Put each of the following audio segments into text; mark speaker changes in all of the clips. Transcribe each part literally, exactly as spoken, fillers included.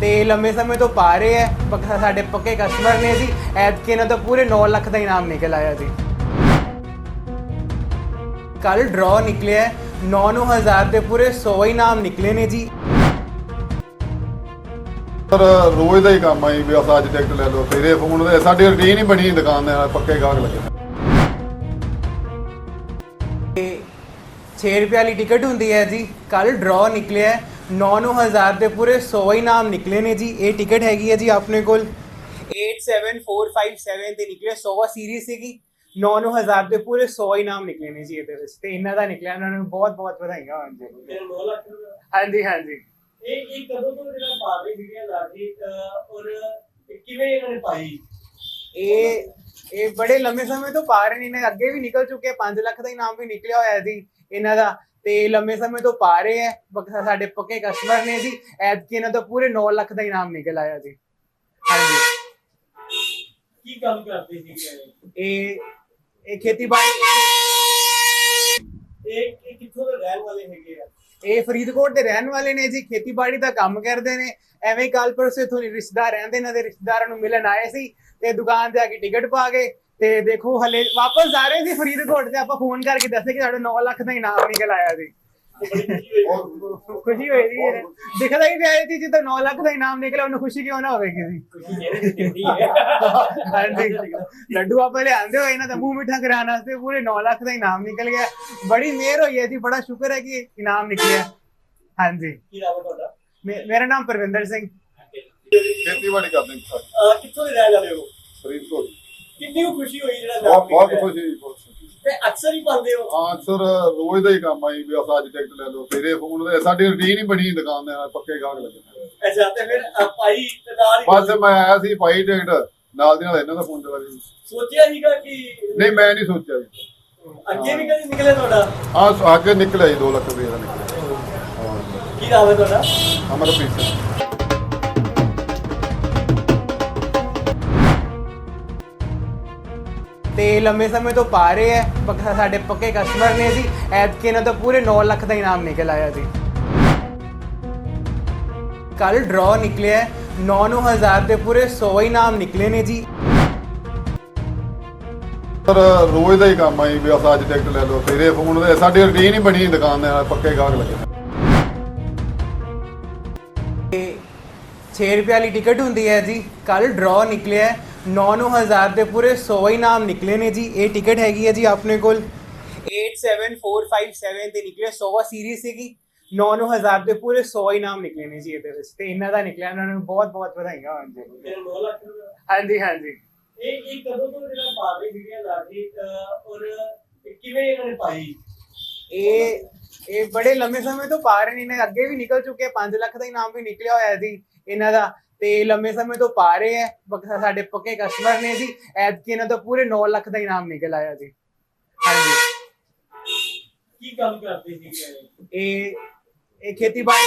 Speaker 1: ਤੇ ਲੰਮੇ ਸਮੇਂ ਤੋਂ ਪਾ ਰਹੇ ਹੈ ਪੱਕਾ ਸਾਡੇ ਪੱਕੇ ਕਸਟਮਰ ਨੇ ਜੀ। ਐਤਕੀ ਇਹਨਾਂ ਤੋਂ ਪੂਰੇ ਨੌ ਲੱਖ ਦਾ ਇਨਾਮ ਨਿਕਲ ਆਇਆ ਜੀ। ਕੱਲ ਡਰਾ ਨਿਕਲਿਆ ਨੌ ਨੌ ਹਜ਼ਾਰ ਦੇ ਪੂਰੇ ਸੌ ਇਨਾਮ ਨਿਕਲੇ ਨੇ ਜੀ।
Speaker 2: ਸਰ ਰੋਜ਼ ਦਾ ਹੀ ਕੰਮ ਆਈ ਵੀ ਅੱਜ ਟਿਕਟ ਲੈ ਲਓ, ਤੇਰੇ ਫੋਨ ਦੇ ਸਾਡੀ ਰੁਟੀਨ ਹੀ ਬਣੀ ਦੁਕਾਨ ਦੇ ਨਾਲ, ਪੱਕੇ ਗਾਹਕ ਲੱਗੇ।
Speaker 1: छः रुपये वाली टिकट होंगी है जी। कल ड्रॉ निकलिया नौ नौ हज़ार के पूरे सौ इनाम निकले ने जी। ये टिकट हैगी है जी अपने को eight seven four five seven से निकले सौ सीरीज सी नौ नौ हज़ार के पूरे सौ इनाम निकले ने जी। ये इन्हों का निकलिया, उन्होंने बहुत बहुत बधाइयां। हाँ जी हाँ जी हाँ जी। ये ये बड़े लंबे समय तो पा रहे ने, अगे भी निकल चुके, पांच लाख का इनाम भी निकलिया होया जी इन्हों का। ते लंबे समय तो पा रहे हैं साडे पक्के कस्टमर ने जी। ऐतकी इन्हों तो पूरे नौ लाख का इनाम निकल आया जी। हाँ जी
Speaker 3: की काम करते थे
Speaker 1: ये ये खेतीबाड़ी
Speaker 3: एक एक किथों दे रहन वाले हैगे आ?
Speaker 1: ये फरीदकोट के रहने वाले ने जी। खेतीबाड़ी का काम करते हैं। एवं कल परसों इथों रिश्तेदार रहते इन्हों के रिश्तेदारों मिलन आए सी ते दुकान से आके टिकट पा गए ते देखो हले वापस जा रहे थे फरीदकोट से। आप फोन करके दसे कि साढ़े नौ लाख का इनाम निकल आया जी। खुशी हुई थी, दिखता ही प्यारी थी जी। तो नौ लाख का इनाम निकला, उन्हें खुशी क्यों ना होगी। हाँ जी लड्डू आप ले आंदे हो इन्हों का मुंह मिठा कराने वास्ते पूरे नौ लाख का इनाम निकल गया। बड़ी मेहर हुई है जी, बड़ा शुक्र है कि इनाम निकलिया। हाँ जी मे- मेरा नाम परविंदर सिंह।
Speaker 2: ਖੇਤੀਬਾੜੀ ਕਰਦੇ ਨੇ ਸਰ,
Speaker 3: किथों दे रहन वाले हो?
Speaker 2: ਫਰੀਦਕੋਟ।
Speaker 3: कितनी खुशी हुई जेड़ा
Speaker 2: ਬਹੁਤ ਬਹੁਤ ਖੁਸ਼ੀ ਬਹੁਤ ਖੁਸ਼ੀ।
Speaker 3: ते अक्सर ही पाते हो?
Speaker 2: ਹਾਂ ਸਰ ਰੋਜ਼ ਦਾ ਹੀ ਕੰਮ ਆਈ ਵੀ ਅੱਜ ਟਿਕਟ ਲੈ ਲਓ, ਤੇਰੇ ਫੋਨ ਦੇ ਸਾਡੀ ਰੁਟੀਨ ਹੀ ਬਣੀ ਦੁਕਾਨ ਦੇ ਨਾਲ, ਪੱਕੇ ਗਾਹਕ ਲੱਗੇ।
Speaker 3: अच्छा ते फिर पाई ते नाल ही
Speaker 2: ਬਸ ਮੈਂ ਆਇਆ ਸੀ ਪਾਈ ਟਿਕਟ, ਨਾਲ ਦੀ ਨਾਲ ਇਹਨਾਂ ਦਾ ਫੋਨ ਚਲਾ ਗਿਆ।
Speaker 3: सोचा हीगा कि
Speaker 2: ਨਹੀਂ ਮੈਂ ਨਹੀਂ ਸੋਚਿਆ ਜੀ।
Speaker 3: ਅੱਗੇ ਵੀ ਕਦੀ ਨਿਕਲੇ ਤੁਹਾਡਾ?
Speaker 2: ਹਾਂ ਅੱਗੇ ਨਿਕਲਿਆ ਜੀ, ਦੋ ਲੱਖ ਰੁਪਏ ਦਾ ਨਿਕਲਿਆ। ਹਾਂ
Speaker 3: ਕੀ ਨਾਮ ਹੈ ਤੁਹਾਡਾ?
Speaker 2: ਅਮਰਪ੍ਰੀਤ ਸਿੰਘ।
Speaker 1: ਤੇ ਲੰਮੇ ਸਮੇਂ ਤੋਂ ਪਾ ਰਹੇ ਹੈ ਪੱਕਾ ਸਾਡੇ ਪੱਕੇ ਕਸਟਮਰ ਨੇ ਜੀ। ਐਤਕੀ ਇਹਨਾਂ ਤੋਂ ਪੂਰੇ ਨੌ ਲੱਖ ਦਾ ਇਨਾਮ ਨਿਕਲ ਆਇਆ ਜੀ। ਕੱਲ ਡਰਾ ਨਿਕਲਿਆ ਨੌ ਨੌ ਹਜ਼ਾਰ ਦੇ ਪੂਰੇ ਸੌ ਇਨਾਮ ਨਿਕਲੇ ਨੇ ਜੀ।
Speaker 2: ਸਰ ਰੋਜ਼ ਦਾ ਹੀ ਕੰਮ ਆਈ ਵੀ ਅੱਜ ਟਿਕਟ ਲੈ ਲਓ, ਤੇਰੇ ਫੋਨ ਦੇ ਸਾਡੀ ਰੁਟੀਨ ਹੀ ਬਣੀ ਦੁਕਾਨ ਦੇ ਨਾਲ, ਪੱਕੇ ਗਾਹਕ ਲੱਗੇ।
Speaker 1: छः रुपये वाली टिकट होंगी है जी। कल ड्रॉ निकलिया नौ नौ हज़ार के पूरे सौ इनाम निकले ने जी। ये टिकट हैगी है जी अपने को eight seven four five seven से निकले सौ सीरीज सी नौ नौ हज़ार के पूरे सौ इनाम निकले ने जी। ये इन्हों का निकलिया, उन्होंने बहुत बहुत बधाइयां। हाँ जी
Speaker 3: ਤੇ ਨੌ ਲੱਖ ਰੁਪਏ
Speaker 1: हाँ जी हाँ जी।
Speaker 3: ਇਹ ਇਹ ਕਦੋਂ ਤੋਂ ਜਿਹੜਾ ਪਾ ਰਹੀ ਵੀਡੀਓ ਲਾ ਕੇ ਔਰ ਕਿਵੇਂ ਇਹਨਾਂ ਨੇ ਪਾਈ?
Speaker 1: ये ये बड़े लंबे समय तो पा रहे ने, अगे भी निकल चुके, पांच लाख का इनाम भी निकलिया होया जी इन्हों का। ते लंबे समय तो पा रहे हैं साडे पक्के कस्टमर ने जी। ऐतकी इन्हों तो पूरे नौ लाख का इनाम निकल आया जी। हाँ जी
Speaker 3: ਕੀ ਕੰਮ ਕਰਦੇ ਸੀ
Speaker 1: ये ये खेतीबाड़ी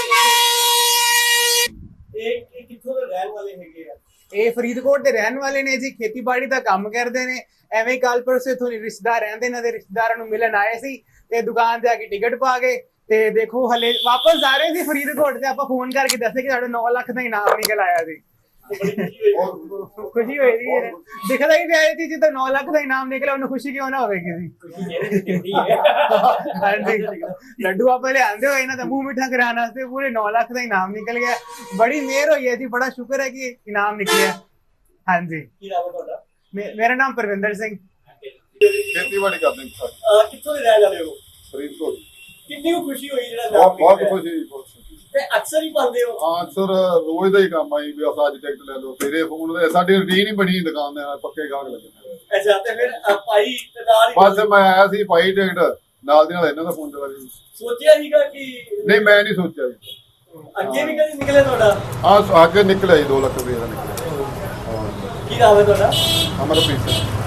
Speaker 3: ਇਹ ਇਹ ਕਿੱਥੋਂ ਦੇ ਰਹਿਣ ਵਾਲੇ ਹੈਗੇ ਆ?
Speaker 1: ये फरीदकोट के रहने वाले ने जी। खेतीबाड़ी का काम करते हैं। एवं कल परसों इथों रिश्तेदार रहते इन्हों के रिश्तेदारों मिलन आए सी ते दुकान से आके टिकट पा गए ते देखो हले वापस जा रहे थे फरीदकोट से। आप फोन करके दसे कि साढ़े नौ लाख का इनाम निकल आया जी। खुशी हुई थी, दिखता ही प्यारी थी जी। तो नौ लाख का इनाम निकला, उन्हें खुशी क्यों ना होगी। हाँ जी लड्डू आप ले आंदे हो इन्हों का मुंह मिठा कराने वास्ते पूरे नौ लाख का इनाम निकल गया। बड़ी मेहर हुई है जी, बड़ा शुक्र है कि इनाम निकलिया। हाँ जी
Speaker 3: ਕੀ ਨਾਮ ਹੈ ਤੁਹਾਡਾ?
Speaker 1: मे- मेरा नाम परविंदर सिंह।
Speaker 2: ਖੇਤੀਬਾੜੀ ਕਰਦੇ ਨੇ ਸਰ,
Speaker 3: ਅਹ ਕਿੱਥੋਂ ਦੇ ਰਹਿਣ ਵਾਲੇ ਹੋ?
Speaker 2: ਫਰੀਦਕੋਟ।
Speaker 3: ਕਿੰਨੀ ਖੁਸ਼ੀ ਹੋਈ ਜਿਹੜਾ
Speaker 2: ਬਹੁਤ ਬਹੁਤ
Speaker 3: ਨਿਕਲਿਆ?
Speaker 2: ਖੁਸ਼ੀ ਬਹੁਤ ਖੁਸ਼ੀ।
Speaker 3: ਤੇ ਅਕਸਰ ਹੀ ਪਾਉਂਦੇ ਹੋ?
Speaker 2: ਹਾਂ ਸਰ ਰੋਜ਼ ਦਾ ਹੀ ਕੰਮ ਆਈ ਵੀ ਅੱਜ ਟਿਕਟ ਲੈ ਲਓ, ਤੇਰੇ ਫੋਨ ਦੇ ਸਾਡੀ ਰੁਟੀਨ ਹੀ ਬਣੀ ਦੁਕਾਨ ਦੇ ਨਾਲ, ਪੱਕੇ ਗਾਹਕ ਲੱਗੇ।
Speaker 3: ਅੱਛਾ ਤੇ ਫਿਰ ਪਾਈ ਤੇ ਨਾਲ ਹੀ
Speaker 2: ਬਸ ਮੈਂ ਆਇਆ ਸੀ ਪਾਈ ਟਿਕਟ, ਨਾਲ ਦੀ ਨਾਲ ਇਹਨਾਂ ਦਾ ਫੋਨ ਚਲਾ ਗਿਆ।
Speaker 3: ਸੋਚਿਆ ਹੀਗਾ ਕਿ
Speaker 2: ਨਹੀਂ ਮੈਂ ਨਹੀਂ ਸੋਚਿਆ ਜੀ।
Speaker 3: ਅੱਗੇ ਵੀ ਕਦੀ ਨਿਕਲੇ ਤੁਹਾਡਾ?
Speaker 2: ਹਾਂ ਅੱਗੇ ਨਿਕਲਿਆ ਜੀ, ਦੋ ਲੱਖ ਰੁਪਏ ਦਾ ਨਿਕਲਿਆ। ਹਾਂ
Speaker 3: ਕੀ ਨਾਮ ਹੈ ਤੁਹਾਡਾ?
Speaker 2: ਅਮਰਪ੍ਰੀਤ ਸਿੰਘ।